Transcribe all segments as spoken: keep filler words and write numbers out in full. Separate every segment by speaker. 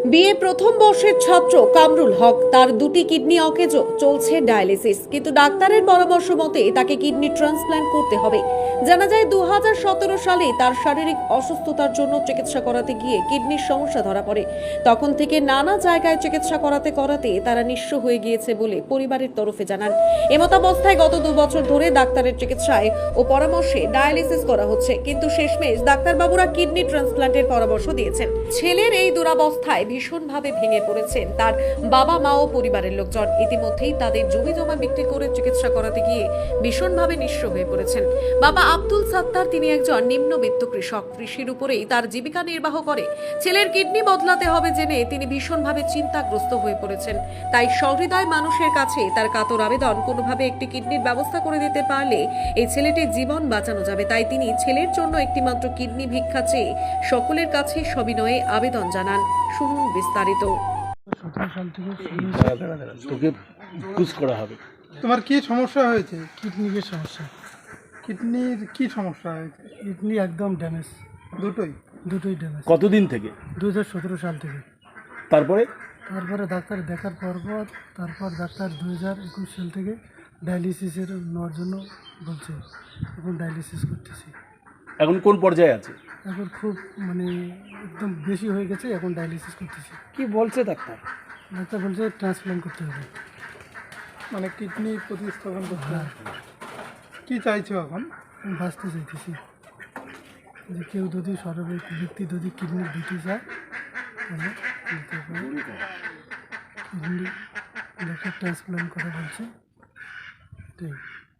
Speaker 1: BA প্রথম বর্ষের ছাত্র কামরুল হক তার দুটি কিডনি অকেজো, চলছে ডায়ালিসিস, কিন্তু ডাক্তারের পরামর্শ মতে তাকে কিডনি ট্রান্সপ্ল্যান্ট করতে হবে। জানা যায় দু হাজার সতেরো সালে তার শারীরিক অসুস্থতার জন্য চিকিৎসা করাতে গিয়ে কিডনির সমস্যা ধরা পড়ে। তখন থেকে নানা জায়গায় চিকিৎসা করাতে করাতে তারা নিঃস্ব হয়ে গিয়েছে বলে পরিবারের তরফে জানান। এমতাবস্থায় গত দু বছর ধরে ডাক্তারের চিকিৎসায় ও পরামর্শে ডায়ালিসিস করা হচ্ছে, কিন্তু শেষমেশ ডাক্তারবাবুরা কিডনি ট্রান্সপ্ল্যান্টের পরামর্শ দিয়েছেন। ছেলের এই দুরাবস্থায় ভীষণভাবে ভেঙে পড়েছেন তার বাবা মা ও পরিবারের লোকজন। ইতিমধ্যেই তাদের জমি জমা বিক্রি করে চিকিৎসা করাতে গিয়ে ভীষণভাবে নিঃস্ব হয়ে পড়েছেন। বাবা আব্দুল সাত্তার, তিনি একজন নিম্নবিত্ত কৃষক, কৃষির উপরেই তার জীবিকা নির্বাহ করে। ছেলের কিডনি বদলাতে হবে জেনে তিনি ভীষণভাবে চিন্তাগ্রস্ত হয়ে পড়েছেন। তাই সহৃদয় মানুষের কাছে তার কাতর আবেদন, কোনোভাবে একটি কিডনির ব্যবস্থা করে দিতে পারলে এই ছেলেটির জীবন বাঁচানো যাবে। তাই তিনি ছেলের জন্য একটিমাত্র কিডনি ভিক্ষা চেয়ে সকলের কাছে সবিনয়ে আবেদন জানান। শুনুন বিস্তারিত।
Speaker 2: সতেরো সাল থেকে
Speaker 3: তোকে পুশ করা হবে।
Speaker 2: তোমার কি সমস্যা হয়েছে?
Speaker 4: কিডনির সমস্যা।
Speaker 2: কিডনির কি সমস্যা হয়েছে?
Speaker 4: কিডনি একদম ড্যামেজ,
Speaker 2: দুটোই?
Speaker 4: দুটোই ড্যামেজ।
Speaker 3: কতদিন থেকে?
Speaker 4: দু হাজার সতেরো সাল থেকে।
Speaker 3: তারপরে
Speaker 4: তারপরে ডাক্তার দেখার পর পর তারপর ডাক্তার দু হাজার একুশ সাল থেকে ডায়ালিসিসের নেওয়ার জন্য বলছে। এখন ডায়ালিসিস করতেছি।
Speaker 3: এখন কোন পর্যায়ে আছে?
Speaker 4: এখন খুব মানে একদম বেশি হয়ে গেছে, এখন ডায়ালিসিস করতেছি।
Speaker 2: কি বলছে ডাক্তার?
Speaker 4: ডাক্তার বলছে ট্রান্সপ্লান্ট করতে হবে।
Speaker 2: মানে কিডনি প্রতিস্থাপন করতে হবে। কি চাইছো এখন?
Speaker 4: আমি বাঁচতে চাইতেছি, যে কেউ যদি সর্বে ব্যক্তি যদি কিডনি দিতে চায় তাহলে দিতে পারে। কিডনি দেখে ট্রান্সপ্লান্ট করা বলছে। এটাই।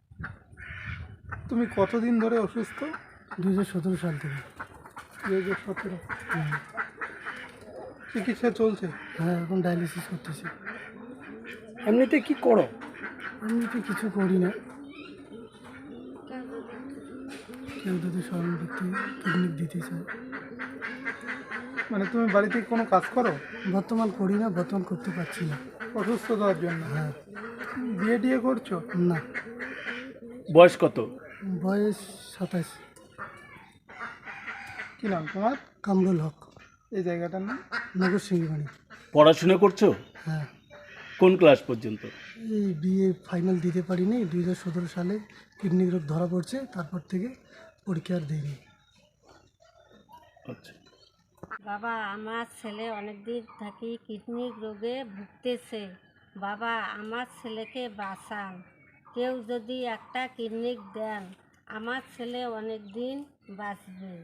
Speaker 2: তুমি কতদিন ধরে অসুস্থ?
Speaker 4: দু হাজার সতেরো সাল থেকে।
Speaker 2: দু হাজার সতেরো।
Speaker 4: হ্যাঁ,
Speaker 2: চিকিৎসা চলছে?
Speaker 4: হ্যাঁ, এখন ডায়ালিসিস করতেছি।
Speaker 2: এমনিতে কি করো?
Speaker 4: এমনিতে কিছু করি না, কেউ যদি সর্ব ব্যক্তি কিডনি দিতে চায়।
Speaker 2: মানে তুমি বাড়িতে কোনো কাজ করো?
Speaker 4: বর্তমান করি না, বর্তমান করতে পারছি না।
Speaker 2: অসুস্থতার জন্য?
Speaker 4: হ্যাঁ।
Speaker 2: বিয়ে টিয়ে করছো?
Speaker 4: না।
Speaker 3: বয়স কত?
Speaker 4: বয়স সাতাশ।
Speaker 2: কি নাম তোমার?
Speaker 4: কামরুল হক।
Speaker 2: এই জায়গাটার নাম?
Speaker 4: নগর সিংহবাড়ি।
Speaker 3: পড়াশোনা করছো?
Speaker 4: হ্যাঁ,
Speaker 3: কোন ক্লাস পর্যন্ত?
Speaker 4: এই বিএ ফাইনাল দিতে পারিনি। দুই হাজার সতেরো সালে কিডনি রোগ ধরা পড়ছে, তারপর থেকে পরীক্ষা আর দিইনি।
Speaker 3: আচ্ছা,
Speaker 5: বাবা, আমার ছেলে অনেক দিন থাকি কিডনি রোগে ভুগতেছে। বাবা, আমার ছেলেকে বাঁচান। কেউ যদি একটা কিডনি দেন, আমার ছেলে অনেক দিন বাঁচবে।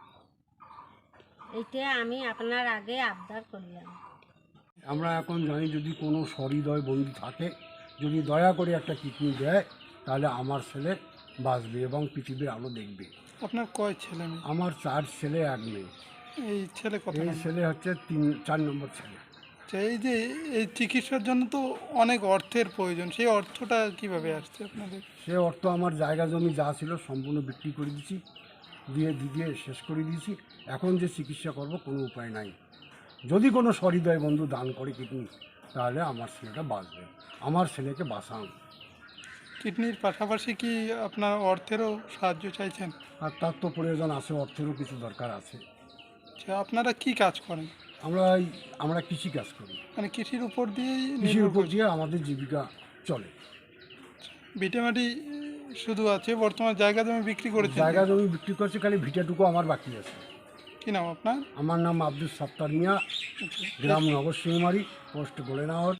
Speaker 5: এইটা আমি আপনার আগে আবদার করলাম।
Speaker 6: আমরা এখন জানি যদি কোনো সহৃদয় বন্ধু থাকে, যদি দয়া করে একটা কিডনি দেয়, তাহলে আমার ছেলে বাঁচবে এবং পৃথিবীর আলো দেখবে।
Speaker 2: আপনার কয় ছেলে মেয়ে?
Speaker 6: আমার চার ছেলে এক মেয়ে।
Speaker 2: এই ছেলে কত
Speaker 6: এই
Speaker 2: নম্বর?
Speaker 6: ছেলে হচ্ছে তিন চার নম্বর ছেলে।
Speaker 2: আচ্ছা, এই যে এই চিকিৎসার জন্য তো অনেক অর্থের প্রয়োজন, সেই অর্থটা কিভাবে আসছে আপনাদের?
Speaker 6: সে অর্থ আমার জায়গা জমি যা ছিল সম্পূর্ণ বিক্রি করে দিয়েছি, দিয়ে দিয়ে শেষ করে দিয়েছি। এখন যে চিকিৎসা করব কোনো উপায় নাই। যদি কোনো সহৃদয় বন্ধু দান করে কিডনি, তাহলে আমার ছেলেটা বাঁচবে। আমার ছেলেকে বাঁচান।
Speaker 2: কিডনির পাশাপাশি কি আপনার অর্থেরও সাহায্য চাইছেন?
Speaker 6: আর তার তো প্রয়োজন আছে, অর্থেরও কিছু দরকার আছে।
Speaker 2: আচ্ছা, আপনারা কি কাজ করেন?
Speaker 6: আমরা এই আমরা কৃষি কাজ করি।
Speaker 2: মানে কৃষির উপর দিয়েই
Speaker 6: কৃষির
Speaker 2: নির্ভর
Speaker 6: উপর
Speaker 2: করছেন?
Speaker 6: দিয়ে আমাদের জীবিকা চলে।
Speaker 2: ভিটেমাটি শুধু আছে, বর্তমান জায়গা জমি বিক্রি করেছেন?
Speaker 6: জায়গা জমি বিক্রি করছে, খালি ভিটাটুকু আমার বাকি আছে।
Speaker 2: কি নাম আপনার?
Speaker 6: আমার নাম আব্দুল সাত্তার মিয়া,
Speaker 2: আচ্ছা।
Speaker 6: গ্রাম নগর সিংমারি, পোস্ট গোলেনাহর।